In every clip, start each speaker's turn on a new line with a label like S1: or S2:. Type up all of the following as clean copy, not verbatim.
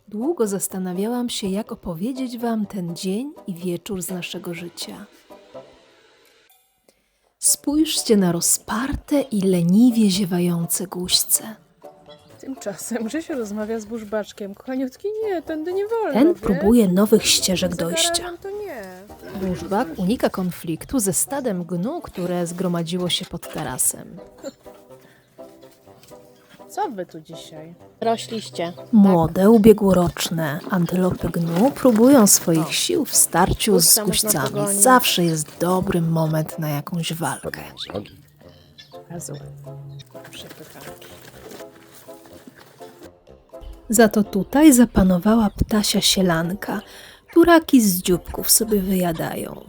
S1: Długo zastanawiałam się, jak opowiedzieć wam ten dzień i wieczór z naszego życia. Spójrzcie na rozparte i leniwie ziewające guźce.
S2: Tymczasem Grzesiu rozmawia z burzbaczkiem. Kochaniutki, nie, tędy nie wolno,
S1: Ten
S2: wiesz?
S1: próbuje nowych ścieżek
S2: Za
S1: dojścia.
S2: garażem to nie.
S1: Burzbak unika konfliktu ze stadem gnu, które zgromadziło się pod tarasem.
S2: Co wy tu dzisiaj? Rośliście.
S1: Młode, ubiegłoroczne antylopy gnu próbują swoich sił w starciu z
S2: Guźca można
S1: guźcami.
S2: pogonić.
S1: Zawsze jest dobry moment na jakąś walkę.
S2: Razu. Przepychanki.
S1: Za to tutaj zapanowała ptasia sielanka. Turaki z dzióbków sobie wyjadają.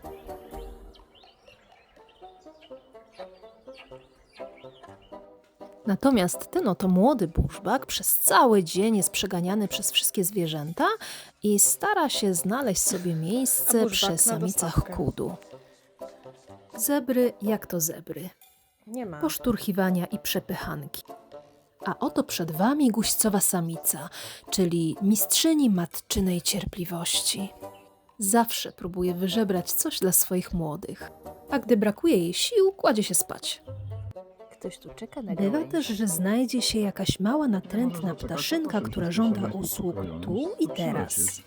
S1: Natomiast ten oto młody burzbak przez cały dzień jest przeganiany przez wszystkie zwierzęta i stara się znaleźć sobie
S2: A
S1: miejsce
S2: burzbak
S1: przy
S2: na
S1: samicach
S2: dostawkę.
S1: kudu. Zebry jak to zebry.
S2: Nie ma.
S1: Poszturchiwania i przepychanki. A oto przed wami guźcowa samica, czyli mistrzyni matczynej cierpliwości. Zawsze próbuje wyżebrać coś dla swoich młodych, a gdy brakuje jej sił, kładzie się spać.
S2: Ktoś tu czeka na
S1: Bywa
S2: gałęzi.
S1: też, że znajdzie się jakaś mała natrętna ptaszynka, która żąda usług tu i teraz.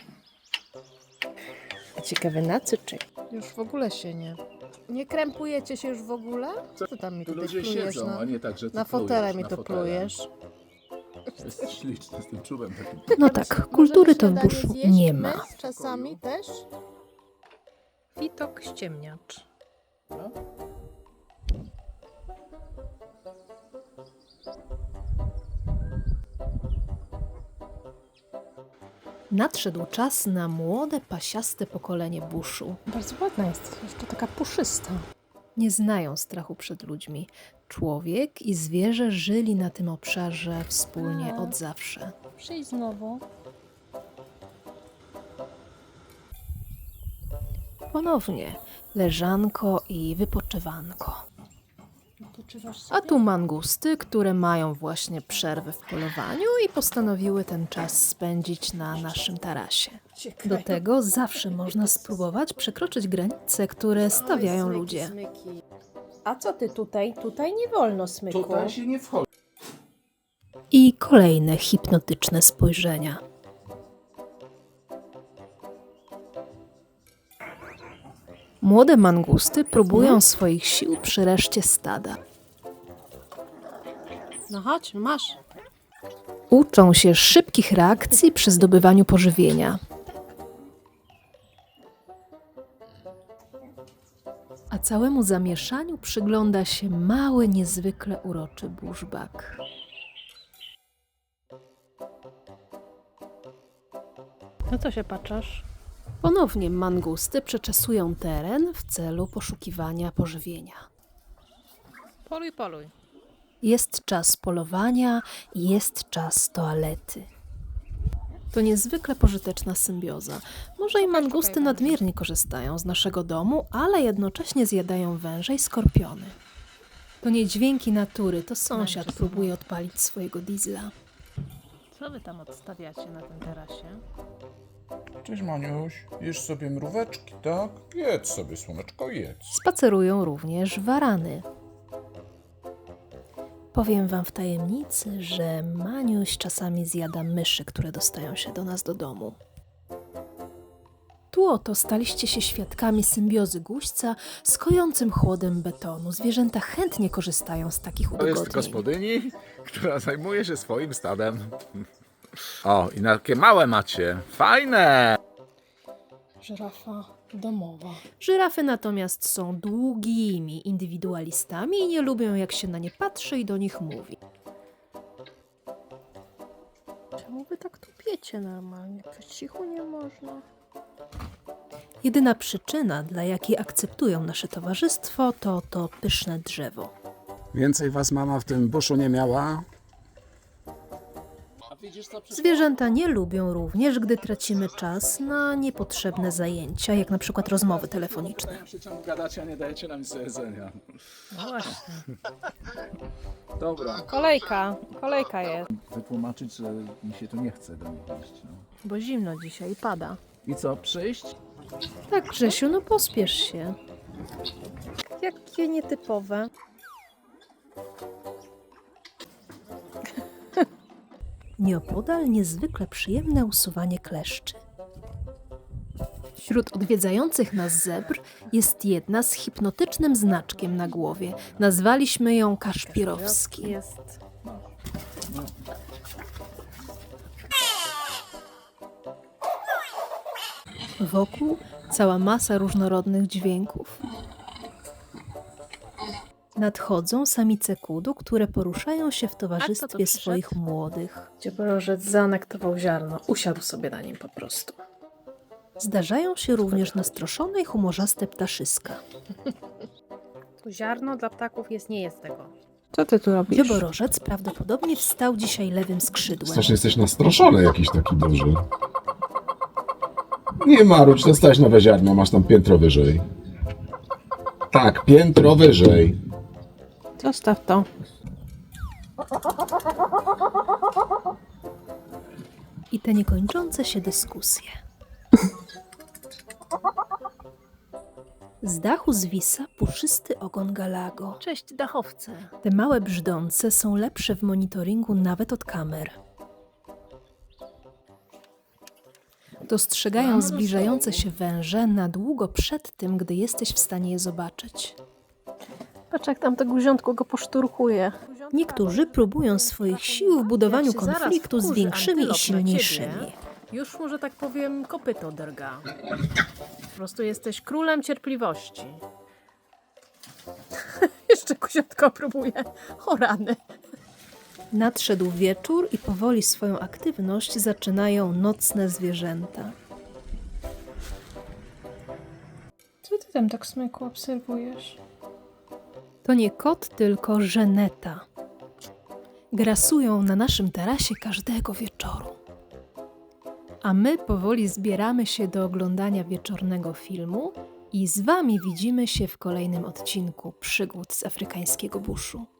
S2: A ciekawe na co czeka? Już w ogóle się nie. Nie krępujecie się już w ogóle? Co ty tam mi
S3: Tu
S2: tutaj
S3: ludzie
S2: plujesz
S3: siedzą,
S2: na,
S3: a nie tak, że ty
S2: na fotele
S3: plujesz
S2: mi
S3: na
S2: to
S3: fotele.
S2: plujesz?
S3: Jest śliczny z tym czubem takim.
S1: No tak, kultury to w buszu nie ma.
S2: My czasami też?
S1: Witok ściemniacz.
S3: No.
S1: Nadszedł czas na młode, pasiaste pokolenie buszu.
S2: Bardzo ładna jest, jeszcze taka puszysta.
S1: Nie znają strachu przed ludźmi. Człowiek i zwierzę żyli na tym obszarze wspólnie od zawsze.
S2: Przyjdź znowu.
S1: Ponownie leżanko i wypoczywanko.
S2: Odpoczywasz
S1: A tu mangusty, które mają właśnie przerwę w polowaniu i postanowiły ten czas spędzić na naszym tarasie. Do tego zawsze można spróbować przekroczyć granice, które stawiają ludzie.
S2: Smyki. A co ty tutaj? Tutaj nie wolno smyku.
S3: Tutaj się nie wchodzi.
S1: I kolejne hipnotyczne spojrzenia. Młode mangusty próbują swoich sił przy reszcie stada.
S2: No chodź, masz.
S1: Uczą się szybkich reakcji przy zdobywaniu pożywienia. A całemu zamieszaniu przygląda się mały, niezwykle uroczy burzbak.
S2: No co się patrzysz?
S1: Ponownie mangusty przeczesują teren w celu poszukiwania pożywienia.
S2: Poluj, poluj.
S1: Jest czas polowania i jest czas toalety. To niezwykle pożyteczna symbioza. Może i mangusty nadmiernie korzystają z naszego domu, ale jednocześnie zjadają węże i skorpiony. To nie dźwięki natury, to sąsiad próbuje odpalić swojego diesla.
S2: Co wy tam odstawiacie na tym tarasie?
S4: Cześć Maniuś, jesz sobie mróweczki, tak? Jedz sobie, słoneczko, jedz.
S1: Spacerują również warany. Powiem wam w tajemnicy, że Maniuś czasami zjada myszy, które dostają się do nas do domu. Tu oto staliście się świadkami symbiozy guźca z kojącym chłodem betonu. Zwierzęta chętnie korzystają z takich
S3: To jest
S1: udogodnień.
S3: gospodyni, która zajmuje się swoim stadem. O, i takie małe macie. Fajne!
S2: Żyrafa domowa.
S1: Żyrafy natomiast są długimi indywidualistami i nie lubią, jak się na nie patrzy i do nich mówi.
S2: Czemu wy tak tupiecie normalnie? Po cichu nie można.
S1: Jedyna przyczyna, dla jakiej akceptują nasze towarzystwo, to pyszne drzewo.
S5: Więcej was mama w tym buszu nie miała?
S1: Zwierzęta nie lubią również, gdy tracimy czas na niepotrzebne zajęcia, jak na przykład rozmowy telefoniczne.
S3: Przy czym gadacie, a nie dajecie nam nic do jedzenia.
S2: No właśnie.
S3: Dobra.
S2: Kolejka jest.
S3: Wytłumaczyć, że mi się tu nie chce do nich iść. No.
S2: Bo zimno dzisiaj pada.
S3: I co, przyjść?
S1: Tak, Grzesiu, no pospiesz się.
S2: Jakie nietypowe.
S1: Nieopodal niezwykle przyjemne usuwanie kleszczy. Wśród odwiedzających nas zebr jest jedna z hipnotycznym znaczkiem na głowie. Nazwaliśmy ją Kaszpirowski.
S2: Jest.
S1: Wokół cała masa różnorodnych dźwięków. Nadchodzą samice kudu, które poruszają się w towarzystwie
S2: przyszedł?
S1: swoich młodych.
S2: Cieporożec zaanektował ziarno. Usiadł sobie na nim po prostu.
S1: Zdarzają się również nastroszone i humorzaste ptaszyska.
S2: To ziarno dla ptaków nie jest tego. Co ty tu robisz?
S1: Dzioborożec prawdopodobnie wstał dzisiaj lewym skrzydłem.
S5: Strasznie jesteś nastroszony jakiś taki duży. Nie marudź, dostałeś nowe ziarno, masz tam piętro wyżej. Tak, piętro wyżej.
S2: Zostaw to.
S1: I te niekończące się dyskusje. Z dachu zwisa puszysty ogon Galago.
S2: Cześć, dachowcy.
S1: Te małe brzdące są lepsze w monitoringu nawet od kamer. Dostrzegają zbliżające się węże na długo przed tym, gdy jesteś w stanie je zobaczyć.
S2: Patrz, jak tam to guziątko go poszturkuje.
S1: Niektórzy próbują swoich sił w budowaniu
S2: Jak się zaraz
S1: konfliktu z
S2: wkurzy
S1: większymi i
S2: antylop na
S1: silniejszymi.
S2: ciebie, już mu, że tak powiem, kopyto drga. Po prostu jesteś królem cierpliwości. Jeszcze guziątko próbuje. O rany.
S1: Nadszedł wieczór i powoli swoją aktywność zaczynają nocne zwierzęta.
S2: Co ty tam tak smyku obserwujesz?
S1: To nie kot, tylko żeneta. Grasują na naszym tarasie każdego wieczoru. A my powoli zbieramy się do oglądania wieczornego filmu i z wami widzimy się w kolejnym odcinku Przygód z afrykańskiego buszu.